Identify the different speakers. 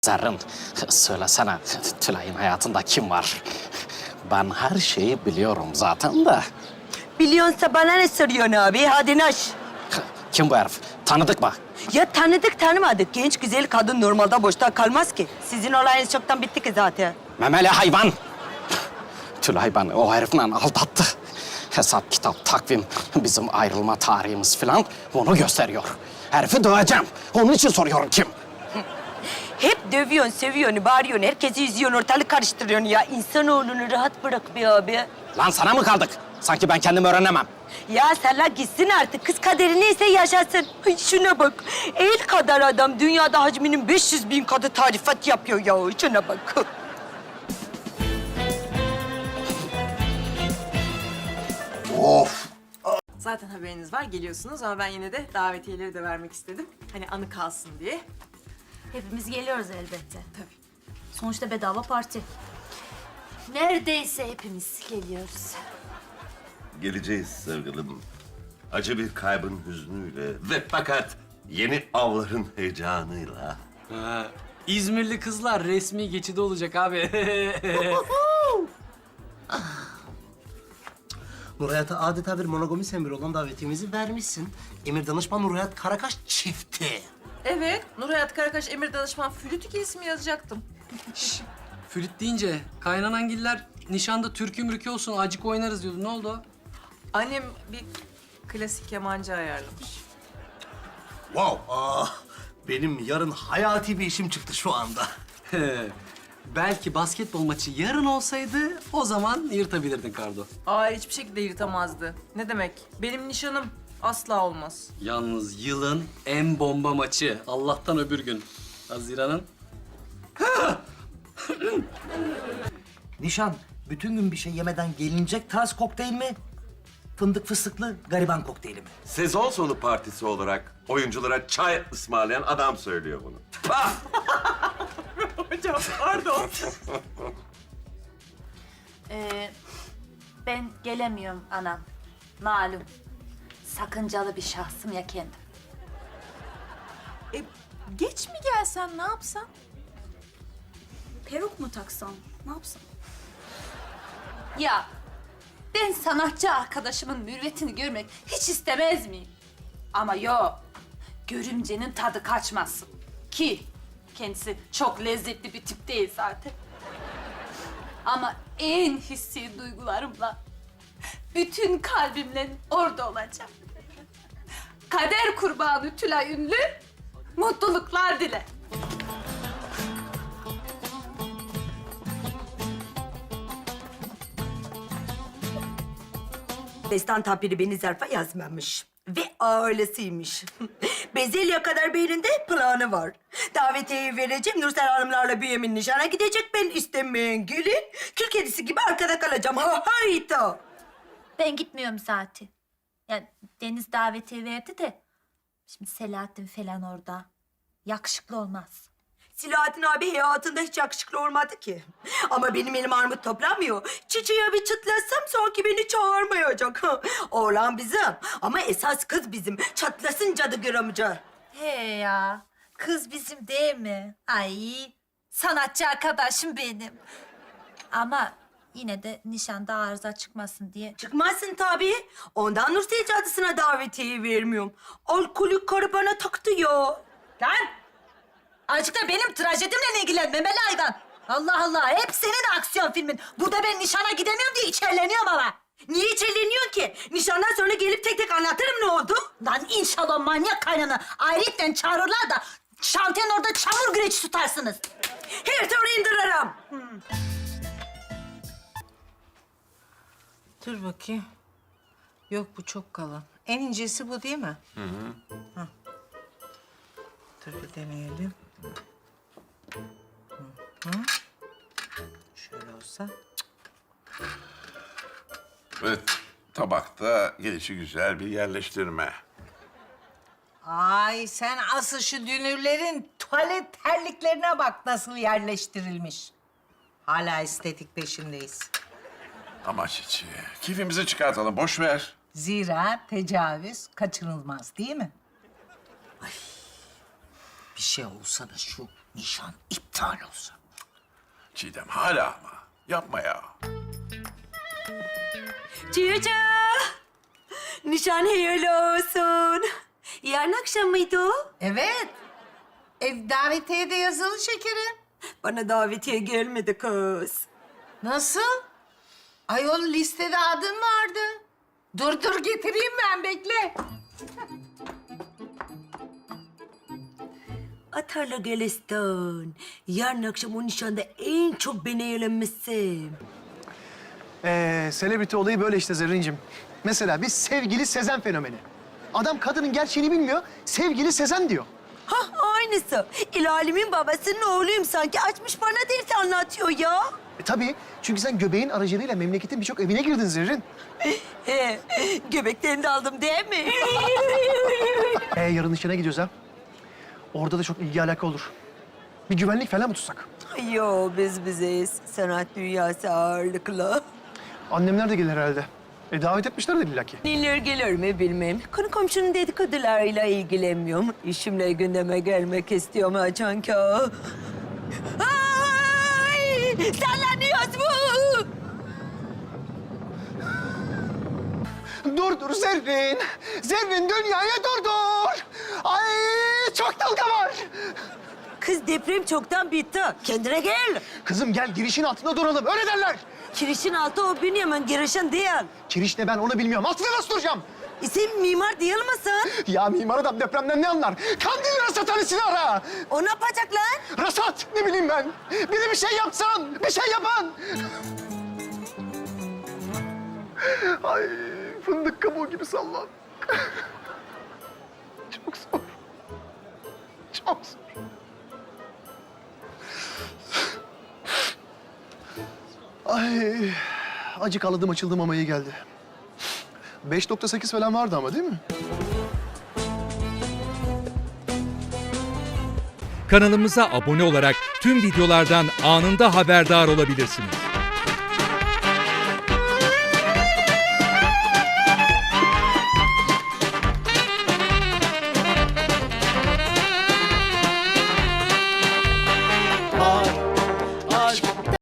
Speaker 1: Zerrin, söylesene Tülay'ın hayatında kim var? Ben her şeyi biliyorum zaten de.
Speaker 2: Biliyorsa bana ne soruyorsun abi? Hadi naş.
Speaker 1: Kim bu herif? Tanıdık mı?
Speaker 2: Ya tanıdık tanımadık. Genç güzel kadın normalde boşta kalmaz ki. Sizin olayınız çoktan bitti ki zaten.
Speaker 1: Memeli hayvan! Tülay beni o herifle aldattı. Hesap, kitap, takvim, bizim ayrılma tarihimiz falan onu gösteriyor. Herifi döveceğim. Onun için soruyorum kim?
Speaker 2: Hep dövüyorsun, seviyorsun, bağırıyorsun. Herkesi üzüyorsun, ortalık karıştırıyorsun ya. İnsanoğlunu rahat bırak be abi.
Speaker 1: Lan sana mı kaldık? Sanki ben kendim öğrenemem.
Speaker 2: Ya Serla gitsin artık. Kız kaderi neyse yaşasın. Ay şuna bak. El kadar adam dünyada hacminin 500.000 katı tarifat yapıyor ya. Şuna bak.
Speaker 3: Of!
Speaker 4: Zaten haberiniz var, geliyorsunuz ama ben yine de davetiyeleri de vermek istedim. Hani anı kalsın diye.
Speaker 5: Hepimiz geliyoruz elbette.
Speaker 4: Tabii.
Speaker 5: Sonuçta bedava parti. Neredeyse hepimiz geliyoruz.
Speaker 3: Geleceğiz sevgilim. Acı bir kaybın hüznüyle ve fakat yeni avların heyecanıyla.
Speaker 6: İzmirli kızlar resmi geçidi olacak abi.
Speaker 7: Nurhayat'a adeta bir monogami sembolü olan davetiyemizi vermişsin. Emir Danışman Nurhayat Karakaş çifti.
Speaker 4: Evet, Nurhayat Karakaş, Emir Danışman flüt ikilisi mi yazacaktım?
Speaker 6: Flüt deyince kaynanangiller nişanda türkü mürkü olsun acık oynarız diyordu. Ne oldu?
Speaker 4: Annem bir klasik kemancı ayarlamış.
Speaker 7: Wow! Benim yarın hayati bir işim çıktı şu anda.
Speaker 6: Belki basketbol maçı yarın olsaydı o zaman yırtabilirdin Kardo.
Speaker 4: Aa, hiçbir şekilde yırtamazdı. Ne demek? Benim nişanım asla olmaz.
Speaker 6: Yalnız yılın en bomba maçı. Allah'tan öbür gün. Haziran'ın.
Speaker 7: Nişan, bütün gün bir şey yemeden gelinecek tarz kokteyl mi? Fındık fıstıklı gariban kokteyli mi?
Speaker 3: Sezon sonu partisi olarak oyunculara çay ısmarlayan adam söylüyor bunu.
Speaker 4: Hocam pardon.
Speaker 5: Ben gelemiyorum anam. Malum. Sakıncalı bir şahsım ya kendim.
Speaker 4: Geç mi gelsen, ne yapsan?
Speaker 5: Peruk mu taksam? Ne yapsam? Ya ben sanatçı arkadaşımın mürvetini görmek hiç istemez miyim? Ama yok. Görümcenin tadı kaçmasın. Ki kendisi çok lezzetli bir tip değil zaten. Ama en hissi duygularımla, bütün kalbimle orada olacağım. Kader kurbanı Tülay Ünlü, mutluluklar dile.
Speaker 2: Destan tabiri beni zarfa yazmamış. Ve ailesiymiş. Bezelye kadar beyninde planı var. Davetiyeyi vereceğim, Nursel Hanımlarla Bünyamin nişana gidecek. Ben istemeyen gelin, kül kedisi gibi arkada kalacağım. Ha hayta.
Speaker 5: Ben gitmiyorum zaten. Yani Deniz davetiye verdi de... Şimdi Selahattin falan orada. Yakışıklı olmaz.
Speaker 2: Silahattin abi hayatında hiç yakışıklı olmadı ki. Ama benim elim armut toplamıyor. Çiçeğe bir çıtlasam sanki beni çağırmayacak. Oğlan bizim ama esas kız bizim. Çatlasın cadı gramcı.
Speaker 5: He ya. Kız bizim değil mi? Ay. Sanatçı arkadaşım benim. Ama yine de nişanda arıza çıkmasın diye.
Speaker 2: Çıkmazsın tabii. Ondan Nursel cadısına davetiyeyi vermiyorum. Alkolik karı bana taktı ya.
Speaker 5: Lan! Azıcık da benim trajedimle ilgilen memeli hayvan. Allah Allah, hep senin aksiyon filmin. Burada ben nişana gidemiyorum diye içerleniyorum ama.
Speaker 2: Niye içerleniyorsun ki? Nişandan sonra gelip tek tek anlatırım ne oldu.
Speaker 5: Lan inşallah manyak kaynana ayrıca çağırırlar da şantiyen orada çamur güreşi tutarsınız.
Speaker 2: Her türlü indiririm.
Speaker 8: Dur bakayım. Yok bu çok kalın. En incesi bu değil mi? Hı hı. Dur bir deneyelim. Hı hı. Şöyle olsa.
Speaker 9: Evet, tabakta gelişi güzel bir yerleştirme.
Speaker 8: Ay sen asıl şu dünürlerin tuvalet terliklerine bak nasıl yerleştirilmiş. Hala estetik peşindeyiz.
Speaker 9: Ama Çiçi, keyfimizi çıkartalım, boş ver.
Speaker 8: Zira tecavüz kaçınılmaz değil mi? Ay, bir şey olsa da şu
Speaker 7: nişan iptal olsa?
Speaker 9: Çiğdem hala ama. Yapma ya.
Speaker 2: Cici. Nişan hayırlı olsun. Yarın akşam mıydı o?
Speaker 8: Evet. Davetiye de yazılı şekerim.
Speaker 2: Bana davetiye gelmedi kız.
Speaker 8: Nasıl? Ayol listede adın vardı. Dur getireyim ben bekle.
Speaker 2: Atarla Gülistan. Yarın akşam o nişanda en çok beni eğlenmişsin.
Speaker 10: Selebriti olayı böyle işte Zerrin'cim. Mesela biz sevgili Sezen fenomeni. Adam kadının gerçeğini bilmiyor, sevgili Sezen diyor.
Speaker 2: Hah aynısı. İlalimin babasının oğluyum sanki. Açmış bana ders anlatıyor ya.
Speaker 10: Tabii, çünkü sen göbeğin aracılığıyla memleketin birçok evine girdin Zerrin.
Speaker 2: Göbeklerini de aldım değil mi?
Speaker 10: Yarın nişana gidiyoruz ha. Orada da çok ilgi alaka olur. Bir güvenlik falan mı tutsak?
Speaker 2: Yo biz bizeyiz. Sanat dünyası ağırlıklı.
Speaker 10: Annemler de gelir herhalde. Davet etmişlerdir illaki.
Speaker 2: Gelir mi bilmem. Konu komşunun dedikodularıyla ilgilenmiyorum. İşimle gündeme gelmek istiyorum Açanka. Ay! Sallanıyoruz bu!
Speaker 10: Dur Zerrin! Zerrin dünyaya dur! Ay çok dalga var!
Speaker 2: Kız deprem çoktan bitti. Kendine gel.
Speaker 10: Kızım gel girişin altında duralım, öyle derler.
Speaker 2: Kirişin altı o Bünyamin, girişin değil.
Speaker 10: Kiriş ne ben onu bilmiyorum. Altında nasıl duracağım?
Speaker 2: Sen mimar değil misin?
Speaker 10: Ya mimar adam depremden ne anlar? Kandil rasathanesini ara!
Speaker 2: O ne yapacak lan?
Speaker 10: Rasat ne bileyim ben. Biri bir şey yapsan, bir şey yapan. Ay fındık kabuğu gibi sallan. Çok zor. Çok zor. Ay acık ağladım açıldım ama iyi geldi. 5.8 falan vardı ama değil mi?
Speaker 11: Kanalımıza abone olarak tüm videolardan anında haberdar olabilirsiniz.